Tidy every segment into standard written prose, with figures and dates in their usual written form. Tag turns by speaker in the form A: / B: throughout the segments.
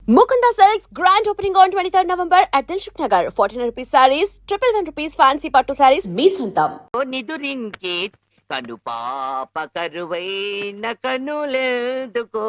A: Mukunda Silks grand opening on 23rd November at Dilshuk Nagar. 1400 rupees sarees, 111 rupees fancy pattu sarees, మీ సొంతం.
B: నిదురించే కను పాప కరువైన కనులెందుకో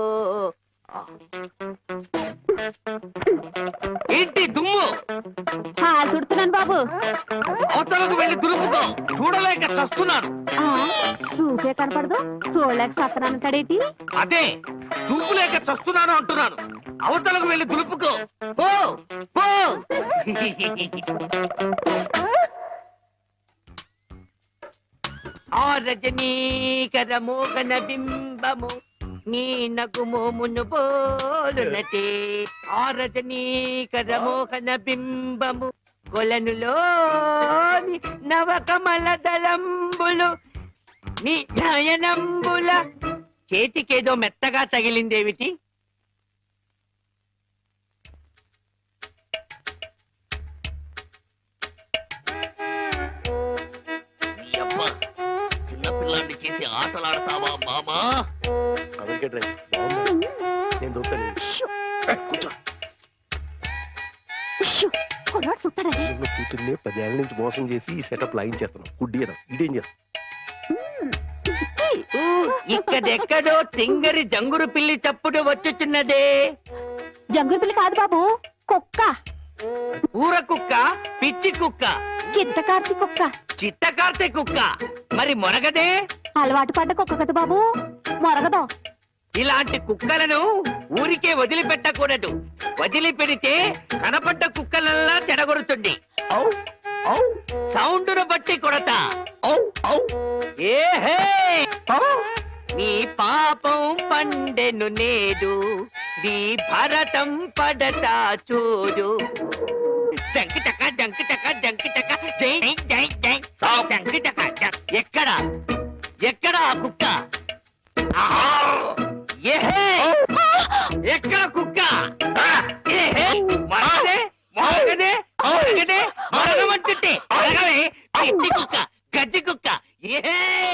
B: ఏంటి దుమ్ము
C: తుడుతున్నాను బాబు.
B: అవతలకు వెళ్ళి దులుపుకో, చూడలేక చస్తున్నాను.
C: చూసే కనపడదు, చూడలేక సత్తనానంటాడేటి?
B: అదే చూపు లేక చస్తున్నాను అంటున్నాను. అవతలకు వెళ్ళి దులుపుకో, పో పో. ఆ రజనీకర మోగన బింబము నీ నగుమోమును బోలునటే. ఆ రజనీకర మోహన బింబము కొలనులోని నవకమల దళంబులు నీ నయనంబుల. చేతికేదో మెత్తగా తగిలిందేమిటి? చిన్నపిల్లాన్ని చేసి ఆటలాడతావా మామా?
D: కూతుర్ని 10 ఏళ్ల నుంచి మోసం చేసి ఈ సెటప్ లాగిన్ చేస్తున్నాం. గుడ్డియడం ఇదేం చేస్తాం?
B: ఇక్కడెక్కడో తింగరి జంగురు పిల్లి చప్పుడు వచ్చుచున్నదే.
C: జంగుల పిల్లి కాదు బాబు, కుక్క.
B: ఊర కుక్క, పిచ్చి కుక్క,
C: చిత్తకార్తి కుక్క.
B: చిత్తకార్తె కుక్క. మరి మొరగదే?
C: అలవాటు పడ్డ కుక్క కదా బాబు, మొరగదు.
B: ఇలాంటి కుక్కలను ఊరికే వదిలిపెట్టకూడదు. వదిలిపెడితే కనపడ్డ కుక్కలల్లా చెడగొడుతుంది. సౌండును బట్టి కొడతా. ఏహే, నీ పాపం పండెను నేడు, నీ భరతం పడతా చూడు. జంకిటక జంకిటక జంకిటక జై జై జై జంకిటక. ఎక్కడ ఎక్కడ ఆ కుక్క? ఏహే, ఎక్కడ కుక్క? ఏహే, మరగదే మరగదే మరగదే మరగమంటుంటే మరగవే. గడ్డి కుక్క, గడ్డి కుక్క. ఏహే,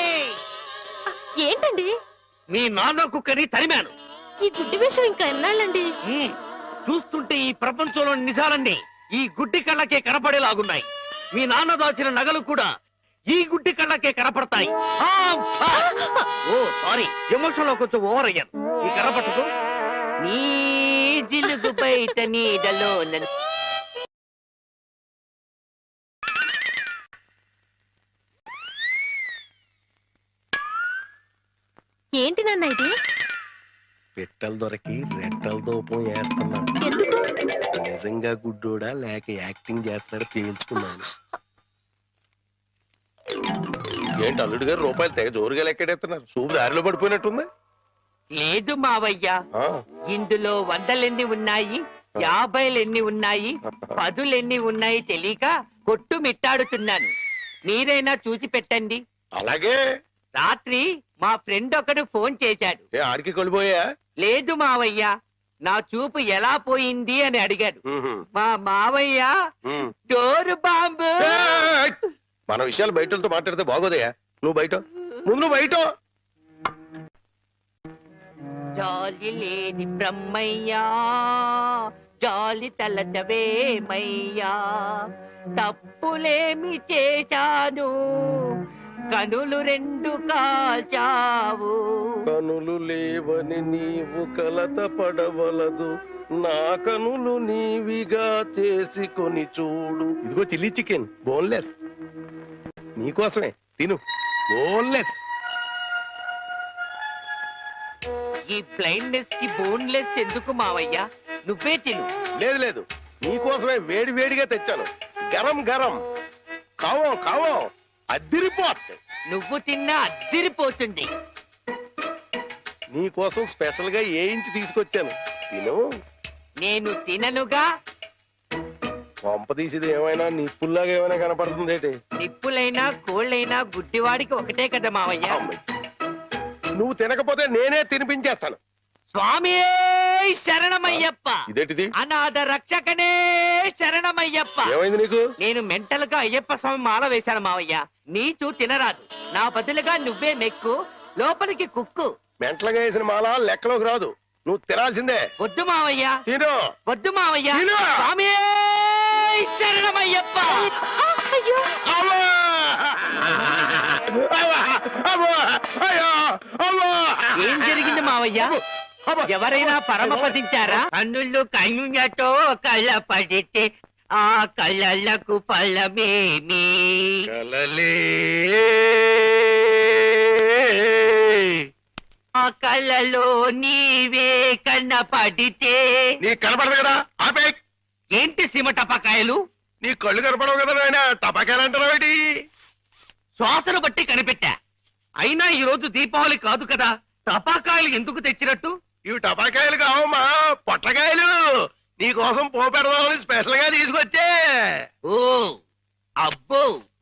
C: ఏంటండి
B: మీ నాన్న కుక్కని తరిమాను.
C: ఈ గుడ్డి విషయం ఇంకా ఎన్నాళ్ళండి?
B: చూస్తుంటే ఈ ప్రపంచంలో నిజాలన్నీ ఈ గుడ్డి కళ్ళకే కనపడేలాగున్నాయి. మీ నాన్న దాచిన నగలు కూడా ఈ గుడ్డి కళ్ళకే కనపడతాయి. ఓ సారీ, ఎమోషన్ లో కొంచెం ఓవర్ అయ్యాను. ఈ కనపడదు. నీ జిలుగు బయట నీడలో
C: ఏంటి నాన్న ఇది?
D: పెట్టలు దొరికి రెట్టల దూపం వేస్తున్నాను.
C: ఎందుకు?
D: నిజంగా గుడ్డోడా లేక యాక్టింగ్ చేస్తాడా తేల్చుకున్నాను. ఏంటి అల్లుడు గారు రూపాయలు తెగ జోరుగా లెక్కెడేస్తున్నారు? చూపు దారిలో పడిపోయినట్టుంది.
B: లేదు మావయ్య, ఇందులో 100 ఉన్నాయి, 50 ఉన్నాయి, 10 ఉన్నాయి తెలియక కొట్టు మిట్టాడుతున్నాను. మీరైనా చూసి పెట్టండి.
D: అలాగే.
B: రాత్రి మా ఫ్రెండ్ ఒకడు ఫోన్ చేశాడు.
D: ఆడికి కొలిపోయా?
B: లేదు మావయ్య, నా చూపు ఎలా పోయింది అని అడిగాడు. మా మావయ్య డోరు బాంబు.
D: మన విషయాలు బయటతో మాట్లాడితే బాగోదయా? నువ్వు బయట, ముందు బయట.
B: జాలి లేని బ్రహ్మయ్యా, జాలి తలచవేమయ్యా, తప్పులేమి చేశాను, కనులు 2 కాల్చావు.
D: కనులు లేవని నీవు కలత పడవలదు, నా కనులు నీవిగా చేసుకొని చూడు. ఇదిగో చిల్లీ చికెన్, బోన్లెస్, నీకోసమే తిను. బోన్లెస్.
B: ఈ బ్లైండ్నెస్ కి బోన్లెస్ ఎందుకు మావయ్య? నువ్వే తిను.
D: లేదు లేదు, నీకోసమే వేడి వేడిగా తెచ్చాను. గరం గరం, కావం కావం, అద్దిరిపోట్.
B: నువ్వు తిన్నా అద్దిరిపోతుంది.
D: నీకోసం స్పెషల్ గా వేయించి తీసుకొచ్చాను, తిను.
B: నేను తిననుగా.
D: పంప తీసేది ఏమైనా నిప్పుల్లాగా ఏమైనా కనపడుతుంది ఏంటి?
B: నిప్పులైనా కోళ్ళైనా గుడ్డివాడికి ఒకటే కదా మావయ్య.
D: నువ్వు తినకపోతే నేనే తినిపించేస్తాను.
B: స్వామి శరణమయ్యప్ప.
D: ఇదేంటిది?
B: అనాథ రక్షకనే శరణమయ్యప్ప.
D: ఏమైంది నీకు?
B: నేను మెంటల్ గా అయ్యప్ప స్వామి మాల వేశాను మావయ్య. నీచు తినరాదు, నా బదులుగా నువ్వే మెక్కు, లోపలికి కుక్కు.
D: మెంటలుగా వేసిన మాల లెక్కలోకి రాదు. నువ్వు తినాల్సిందే.
B: వద్దు మావయ్య,
D: తిను.
B: వద్దు మావయ్య.
D: తిను.
B: స్వామి శరణమయ్యప్ప.
C: అయ్యో
D: అమ్మా! అమ్మా! అమ్మా! అయ్యో! అమ్మా!
B: ఏం జరిగింది మావయ్య?
D: అమ్మా!
B: ఎవరైనా పరమపదించారా? కన్నులు కన్నులతో కళ్ళ పడితే ఆ కళ్ళకు ఫలమేమి?
D: కలలే
B: ఆ కళ్ళలో నీవే కన్నపడితే.
D: నీ కనపడదు కదా, ఆపే.
B: ఏంటి సీమ టపాకాయలు?
D: నీ కళ్ళు కనపడవు కదా నాయన, టపాకాయలు అంటున్నావేటి?
B: శ్వాసను బట్టి కనిపెట్టా. అయినా ఈ రోజు దీపావళి కాదు కదా, టపాకాయలు ఎందుకు తెచ్చినట్టు?
D: ఇవి టపాకాయలు కావమ్మా, పొట్లకాయలు. నీ కోసం పోపెడదామని స్పెషల్ గా తీసుకొచ్చే.
B: ఓ అబ్బో,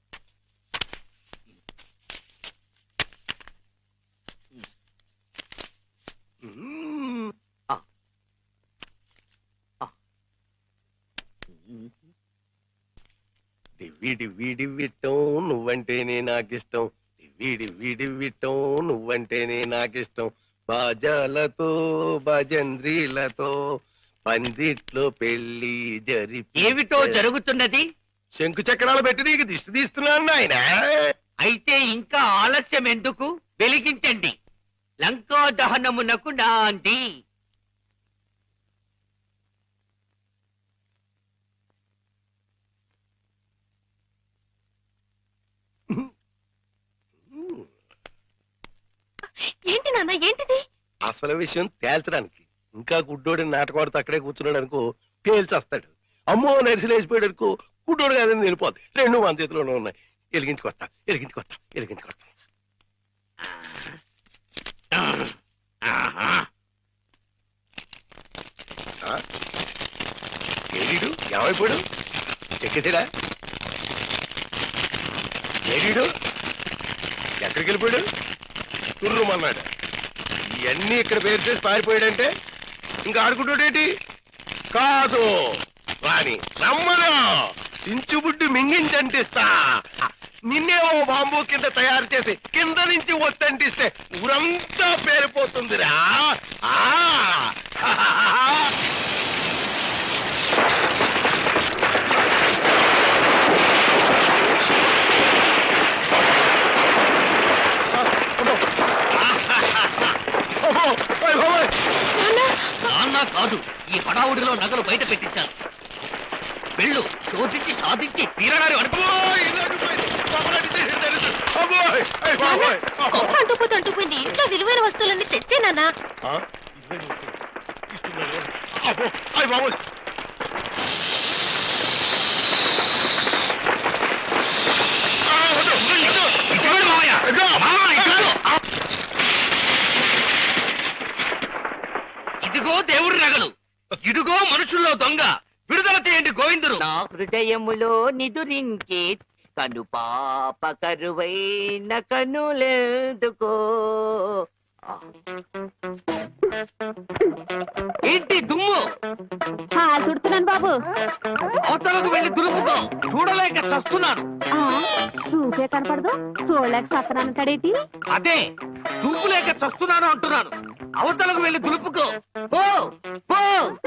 D: మ్మ్. డివ్వి డివ్వి డివ్విట్టం నువ్వంటేనే నాకిష్టం. డివ్వి డివ్వి డివ్విట్టం నువ్వంటేనే నాకిష్టం. బాజాలతో భజంద్రీలతో పందిట్లో పెళ్లి
B: ఏమిటో జరుగుతున్నది?
D: శంకు చక్రాలు పెట్టి నీకు దిష్టి తీస్తున్నాను నాయన.
B: అయితే ఇంకా ఆలస్యం ఎందుకు? వెలిగించండి. లంకా దహనమునకు నాంది.
C: ఏంటి నాన్న ఏంటిది?
D: అసలు విషయం తేల్చడానికి ఇంకా గుడ్డోడి నాటకవాడితో అక్కడే కూర్చున్నాడు అనుకో, పేల్చేస్తాడు. అమ్మో నరిసిలేసిపోయాడు అనుకో, గుడ్డోడు కాదని వెళ్ళిపోద్ది. రెండు మన చేతిలోనే ఉన్నాయి. వెలిగించుకొస్తా, వెలిగించుకొస్తా, వెలిగించుకొస్తా. ఏడీడు ఏమైపోయాడు? ఎక్కడా ఏడీడు? ఎక్కడికి వెళ్ళిపోయాడు? తుర్రుమన్నాడు. ఇవన్నీ ఇక్కడ పేరు చేసి పారిపోయాడంటే ఇంకా ఆడుకుంటాడేటి? కాదు రాని రమ్మను, చించుబుడ్డి మింగించంటిస్తా. నిన్నేమో బాంబు కింద తయారు చేసి కింద నుంచి ఒత్తంటిస్తే ఊరంతా పేరిపోతుందిరా. ఆ
B: నాన్న కాదు, ఈ హడావుడిలో నగలు బయట పెట్టించాను. వెళ్ళు, శోధించి సాధించి తీరడారి అనుకో.
C: కుక్క అంటుపోయింది. ఇంట్లో విలువైన వస్తువులన్నీ తెచ్చే నాన్న.
B: ఇదిగో దేవుడి నగలు, ఇదిగో మనుషుల్లో దొంగ. విడుదల చేయండి గోవిందుడు. నా హృదయములో నిదురించే కను పాప కరువైన కనులెందుకో. ఏంటి దుమ్ము?
C: హాల్ తుడుతున్నాను బాబు.
B: అవతలకు వెళ్ళి దులుపుకో, చూడలేక చస్తున్నాను.
C: చూపే కనపడదు, చూడలేక సత్తనానంటాడేటి?
B: అదే చూపు లేక చస్తున్నాను అంటున్నాను. అవతలకు వెళ్ళి దులుపుకో, పో పో.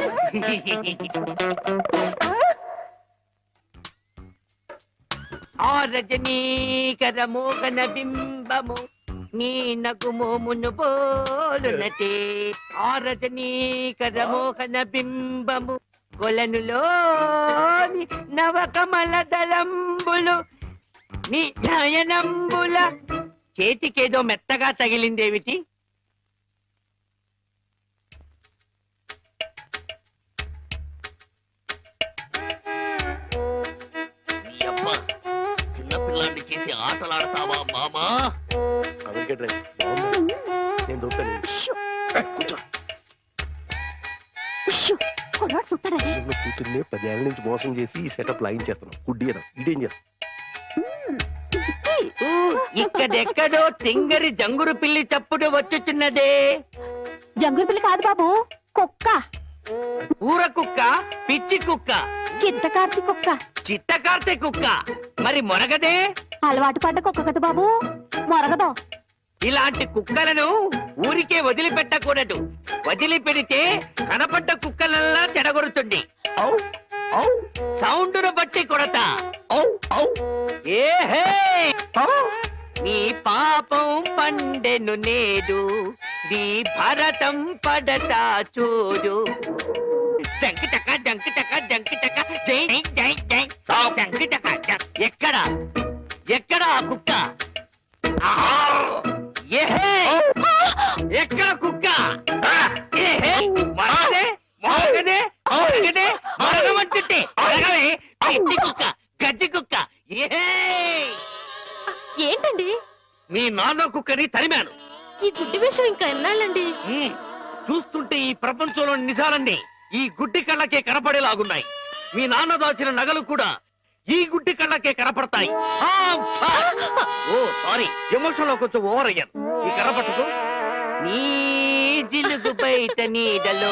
B: ఆ రజనీకర మోగన బింబము నీ నగుమోమును పోలునటే. ఆ రజనీకర మోహన బింబము కొలనులోని నవకమల దళంబులు నీ నయనంబుల. చేతికేదో మెత్తగా తగిలిందేమిటి? నీ అమ్మ చిన్నపిల్లాన్ని చేసి ఆటలాడతావా మామా?
D: నేను దొరుకుతాను.
C: కొన్నాడు చుట్టాడని.
D: కూతుర్ని 10 ఏళ్ల నుంచి మోసం చేసి ఈ సెటప్ లాగించేస్తున్నాం. గుడ్డియడం ఇదేం చేస్తాం?
B: ఇక్కడెక్కడో తింగరి జంగురు పిల్లి చప్పుడు వచ్చుచున్నదే.
C: జంగుల పిల్లి కాదు బాబు, కుక్క.
B: ఊర కుక్క, పిచ్చి కుక్క,
C: చిత్తకార్తి కుక్క.
B: చిత్తకార్తె కుక్క. మరి మొరగదే?
C: అలవాటు పడ్డ కుక్క కదా బాబు, మొరగదు.
B: ఇలాంటి కుక్కలను ఊరికే వదిలిపెట్టకూడదు. వదిలిపెడితే కనపడ్డ కుక్కలల్లా చెడగొడుతుంది. ఔ, ఔ, సౌండును బట్టి కొడతా. ఔ, ఔ, ఏహే, ఔ. నీ పాపం పండెను నేడు, నీ భరతం పడతా చూడు. జంకి చక్క జంకి చక్క జంకి చక్క జై జై జై జంకి చక్క జం. ఎక్కడ ఎక్కడ ఆ కుక్క? ఆహా! ఏహే! ఎక్కడ కుక్క? ఏహే! మరగదే మరగదే మరగదే మరగమంటుంటే మరగవే గడ్డి కుక్క గడ్డి కుక్క. ఏహే!
C: ఏంటండి
B: మీ నాన్న కుక్కని తరిమాను.
C: ఈ గుడ్డి విషయం ఇంకా ఎన్నాళ్ళండి?
B: ఉమ్, చూస్తుంటే ఈ ప్రపంచంలోని నిజాలన్నీ ఈ గుడ్డి కళ్ళకే కనపడేలాగున్నాయి. మీ నాన్న దాచిన నగలు కూడా ఈ గుడ్డి కళ్ళకే కనపడతాయి. ఆ, ఆ! ఓ సారీ, ఎమోషన్ లో కొంచెం ఓవర్ అయ్యాను. ఈ కనపడదు. నీ జిలుగు బయట నీడలో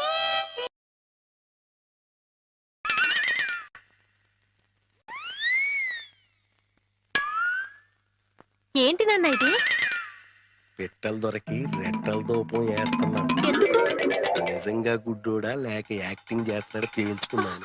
C: ఏంటి నాన్న ఇది?
D: పెట్టలు దొరికి రెట్టల దూపం వేస్తున్నాను.
C: ఎందుకు?
D: నిజంగా గుడ్డోడా లేక యాక్టింగ్ చేస్తాడా తేల్చుకున్నాను.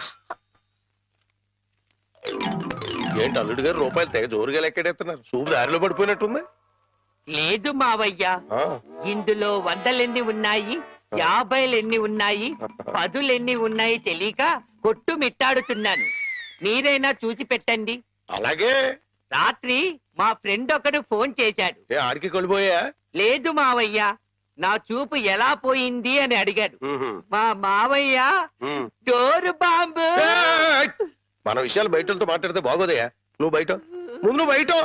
D: ఏంటి అల్లుడు గారు రూపాయలు తెగ జోరుగా లెక్కెడేస్తున్నారు? చూపు దారిలో పడిపోయినట్టుంది.
B: లేదు మావయ్య,
D: ఆ,
B: ఇందులో వందలెన్ని ఉన్నాయి, 50 ఉన్నాయి, 10 ఉన్నాయి తెలియక కొట్టు మిట్టాడుతున్నాను. మీరైనా చూసి పెట్టండి.
D: అలాగే.
B: రాత్రి మా ఫ్రెండ్ ఒకడు ఫోన్ చేశాడు.
D: ఏ ఆడికి కొలిపోయా?
B: లేదు మావయ్య, నా చూపు ఎలా పోయింది అని అడిగాడు. మా మావయ్య డోరు బాంబు.
D: మన విషయాలు బయటతో మాట్లాడితే బాగోదయా. నువ్వు బయట ముందు నువ్వు బయట.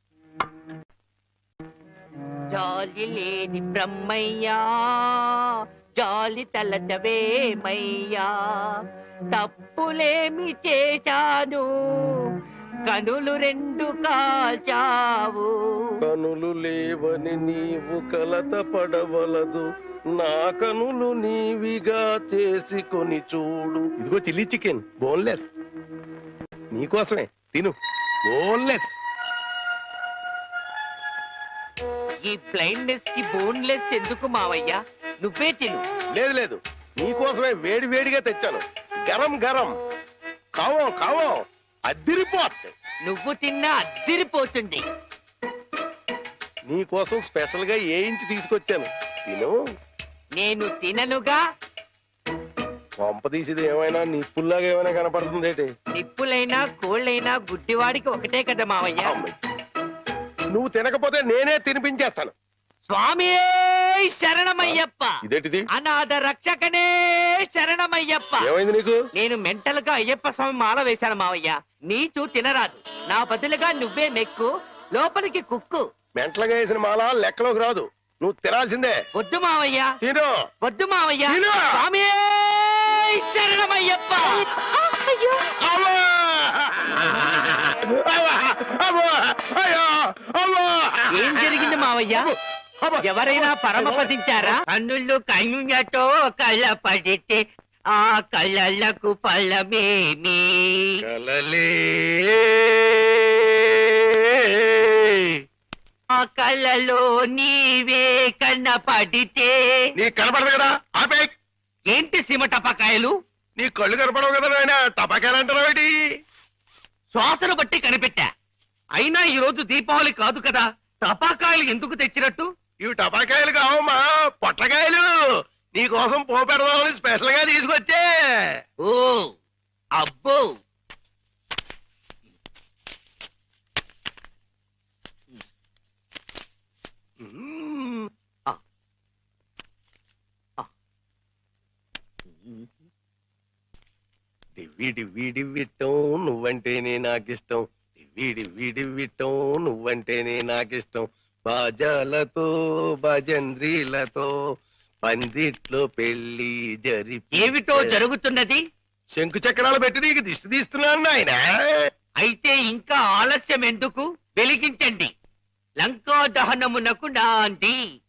B: జాలి లేని బ్రహ్మయ్యా, జాలి తలచవేమయ్యా, తప్పులేమి చేశాను, కనులు 2 కాల్చావు.
D: కనులు లేవని నీవు కలత పడవలదు, నా కనులు నీవిగా చేసుకొని చూడు. ఇదిగో చిల్లీ చికెన్ బోన్లెస్ నీకోసమే, తిను. బోన్లెస్.
B: ఈ బ్లైండ్నెస్ కి బోన్లెస్ ఎందుకు మావయ్య? నువ్వే తిను.
D: లేదు లేదు, నీకోసమే వేడి వేడిగా తెచ్చాను. గరం గరం కావం కావం అద్దిరిపోట్.
B: నువ్వు తిన్నా అద్దిరిపోతుంది.
D: నీకోసం స్పెషల్ గా ఏ ఇంచి తీసుకొచ్చాను, తిను.
B: నేను తిననుగా.
D: పంప తీసేది ఏమైనా నిప్పుల్లాగా ఏమైనా కనపడుతుంది ఏంటి?
B: నిప్పులైనా కోళ్ళైనా గుడ్డివాడికి ఒకటే కదా మావయ్య.
D: నువ్వు తినకపోతే నేనే తినిపించేస్తాను.
B: స్వామి శరణమయ్యప్ప.
D: ఇదేంటిది?
B: అనాథ రక్షకనే శరణమయ్యప్ప.
D: ఏమైంది నీకు?
B: నేను మెంటల్ గా అయ్యప్ప స్వామి మాల వేశాను మావయ్య. నీచు తినరాదు, నా బదులుగా నువ్వే మెక్కు, లోపలికి కుక్కు.
D: మెంటలుగా వేసిన మాల లెక్కలోకి రాదు, నువ్వు తినాల్సిందే.
B: వద్దు మావయ్య,
D: తిను.
B: వద్దు మావయ్య.
D: తిను.
B: స్వామి శరణమయ్యప్ప.
C: అయ్యో
D: అవ్వా! అవ్వా! అవ్వా! అయ్యో! అవ్వా!
B: ఏం జరిగింది మావయ్య?
D: అవ్వా!
B: ఎవరైనా పరమపదించారా? కన్నులు కన్నులతో కళ్ళ పడితే ఆ కళ్ళకు ఫలమేమి?
D: కలలే
B: ఆ కళ్ళలో నీవే కన్నపడితే.
D: నీ కనపడదు కదా, ఆపే.
B: ఏంటి సీమ టపాకాయలు?
D: నీ కళ్ళు కనపడవు కదా నాయన, టపాకాయలు అంటారావేటి?
B: శ్వాసను బట్టి కనిపెట్టా. అయినా ఈ రోజు దీపావళి కాదు కదా, టపాకాయలు ఎందుకు తెచ్చినట్టు?
D: ఇవి టపాకాయలు కావమ్మా, పొట్లకాయలు. నీ కోసం పోపెడదామని స్పెషల్ గా తీసుకొచ్చే.
B: ఓ అబ్బో,
D: మ్మ్. డివ్వి డివ్వి డివ్విట్టం నువ్వంటేనే నాకిష్టం, డివ్వి డివ్వి డివ్విట్టం నువ్వంటేనే నాకిష్టం. బాజాలతో భజంద్రీలతో పందిట్లో పెళ్లి
B: ఏమిటో జరుగుతున్నది?
D: శంకు చక్రాలు పెట్టి నీకు దిష్టి తీస్తున్నాను నాయన.
B: అయితే ఇంకా ఆలస్యం ఎందుకు? వెలిగించండి. లంకా దహనమునకు నాంది.